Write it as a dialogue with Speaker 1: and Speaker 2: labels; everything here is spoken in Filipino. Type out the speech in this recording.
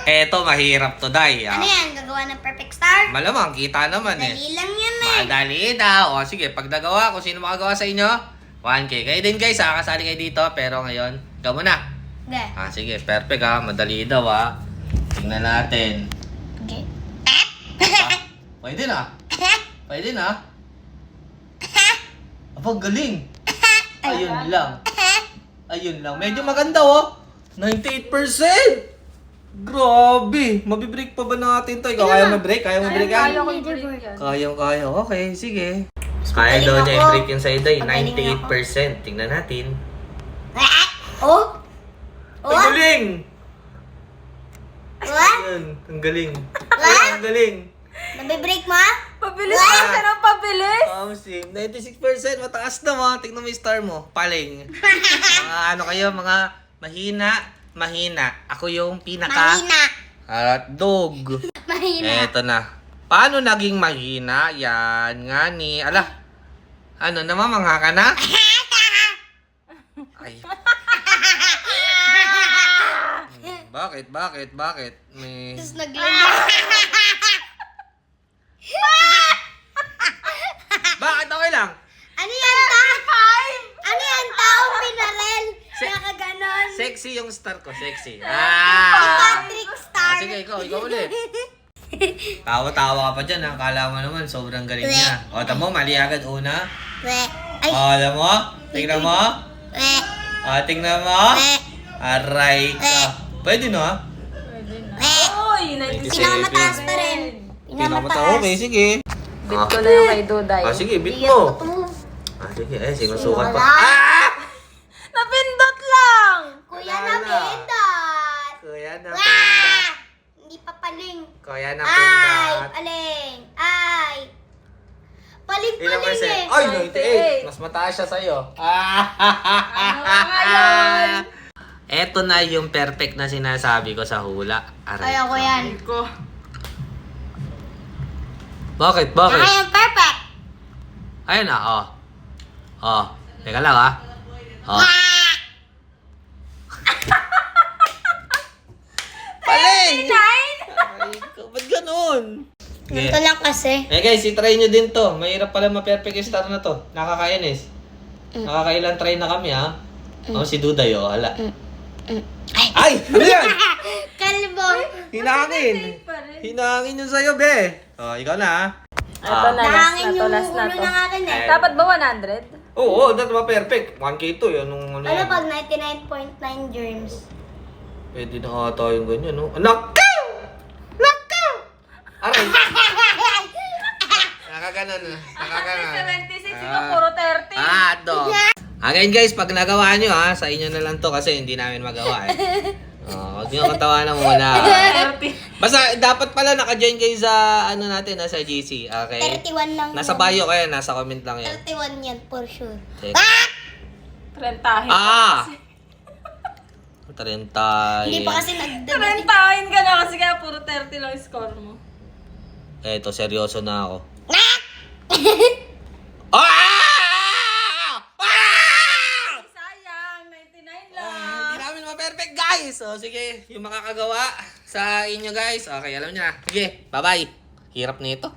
Speaker 1: Eto, mahirap to, Day.
Speaker 2: Ano yan? Gagawa ng perfect star?
Speaker 1: Malamang, kita naman eh.
Speaker 2: Dali lang yan eh.
Speaker 1: Madali daw. O sige, pag nagawa, kung sino makagawa sa inyo, 1K. Kayo din guys, kasali kayo dito. Pero ngayon, ikaw muna.
Speaker 2: Okay.
Speaker 1: Sige, perfect ha. Madali daw ha. Tingnan natin.
Speaker 2: Okay.
Speaker 1: Pwede na. Pwede na. Aba, galing. Ayun lang. Ayun lang. Medyo maganda oh. 98%. Grabe. Mabibreak pa ba natin to? Ikaw kaya mag-break? Kaya mag-break yan?
Speaker 3: Kaya ko i-break yan.
Speaker 1: Kaya. Okay, sige. Kaya daw niya i-break yun sa iday. 98%. Tingnan natin.
Speaker 2: Oh?
Speaker 1: Ay, galing!
Speaker 2: What?
Speaker 1: Ayun, ang galing. Ay, ang galing.
Speaker 2: Nabibreak mo?
Speaker 3: Pabilis ka ng pabilis.
Speaker 1: Sim, 96%. Mataas na mo. Tingnan mo yung star mo. Paling. Mga ano kayo, mga mahina. Ako yung pinaka...
Speaker 2: Mahina.
Speaker 1: Hotdog.
Speaker 2: Mahina.
Speaker 1: Eto na. Paano naging mahina? Yan nga ni... Ala. Ano naman, mangha ka na? Ay. Bakit? May...
Speaker 2: Tapos naglulong.
Speaker 1: Bakit? Okay lang.
Speaker 2: Ano yan, Ano yan, taong pinarel? Nakaganon.
Speaker 1: Sexy yung star ko, sexy.
Speaker 2: Patrick Star.
Speaker 1: Sige, ikaw ulit. Tawa-tawa ka pa dyan, ha? Akala mo naman, sobrang galing niya. O, tamo, mali agad una.
Speaker 2: We. Ay.
Speaker 1: O, alam mo? Tingnan mo?
Speaker 2: We.
Speaker 1: O, tingnan mo?
Speaker 2: We.
Speaker 1: Aray ka. Pwede no, ha?
Speaker 3: Pwede na.
Speaker 2: We.
Speaker 3: Uy,
Speaker 1: 97.
Speaker 2: Pinakamataas pa rin. Pinakamataas.
Speaker 1: Okay, sige.
Speaker 3: bit ko na yung kay Duday.
Speaker 1: Sige, bit
Speaker 2: Bigyan
Speaker 1: mo.
Speaker 2: ko to.
Speaker 1: Sige, sinusukat pa.
Speaker 2: Wala.
Speaker 3: Napindot lang!
Speaker 2: Kuya
Speaker 1: Wala
Speaker 2: na
Speaker 1: na.
Speaker 2: pindot.
Speaker 1: Kuya na
Speaker 2: Wah!
Speaker 1: pindat.
Speaker 2: Hindi pa paling.
Speaker 1: Kuya na
Speaker 2: Ay,
Speaker 1: pindat.
Speaker 2: paling. Ay.
Speaker 1: Ilang
Speaker 2: Paling
Speaker 1: percent?
Speaker 2: eh.
Speaker 1: Ay, 98.
Speaker 3: 98.
Speaker 1: Mas mataas siya sa'yo.
Speaker 3: Ano ngayon?
Speaker 1: Eto na yung perfect na sinasabi ko sa hula. Aray
Speaker 2: Kaya ko
Speaker 1: ka.
Speaker 2: yan.
Speaker 3: Ko.
Speaker 1: Bakit?
Speaker 2: Saka yung perfect.
Speaker 1: Ayun na, oh. Oh, teka lang ah. Oh. Paling! Ay, ba't ganun?
Speaker 2: Ganito lang kasi.
Speaker 1: Guys, i-try nyo din to. Mahirap pala ma-perfect yung star na to. Nakakainis. Nakakailan try na kami ha. Si Duday oh, hala. Ay! Ano yan?
Speaker 2: Kalbo.
Speaker 1: Hinangin! Hinangin yun sa'yo, be. Oh, ikaw na ha.
Speaker 3: Ito na,
Speaker 2: Nahangin yung
Speaker 3: last na
Speaker 2: ulo
Speaker 3: to.
Speaker 2: ng akin eh.
Speaker 3: Dapat ba 100?
Speaker 1: Oo, that's ma-perfect. 1K to, yun. Ano
Speaker 2: Ano
Speaker 1: yan?
Speaker 2: pag 99.9 germs?
Speaker 1: Pwede na ata yung ganyan, no? Nakaw! Nakaw! Aray! Nakaganon na. Nakaganon.
Speaker 3: 76, ikaw puro 30.
Speaker 1: Dog. Again guys, pag nagawa nyo ha, sa inyo na lang to kasi hindi namin magawa eh. Huwag nyo katawanan muna.
Speaker 3: 30.
Speaker 1: Basta dapat pala naka-join kayo sa ano natin, sa GC. Okay?
Speaker 2: 31 lang.
Speaker 1: Nasa bio kaya, nasa comment lang yan.
Speaker 2: 31 yan for sure.
Speaker 1: Teka.
Speaker 3: 30.
Speaker 1: 30.
Speaker 2: Hindi pa kasi nagdadating.
Speaker 3: 30 ka na kasi kaya puro 30 lang yung score mo.
Speaker 1: Eto, seryoso na ako.
Speaker 3: Sayang, 99
Speaker 1: Hindi
Speaker 3: lang.
Speaker 1: namin ma-perfect guys. So sige, yung makakagawa sa inyo guys. Okay, alam niyo na. Sige, bye-bye. Hirap nito.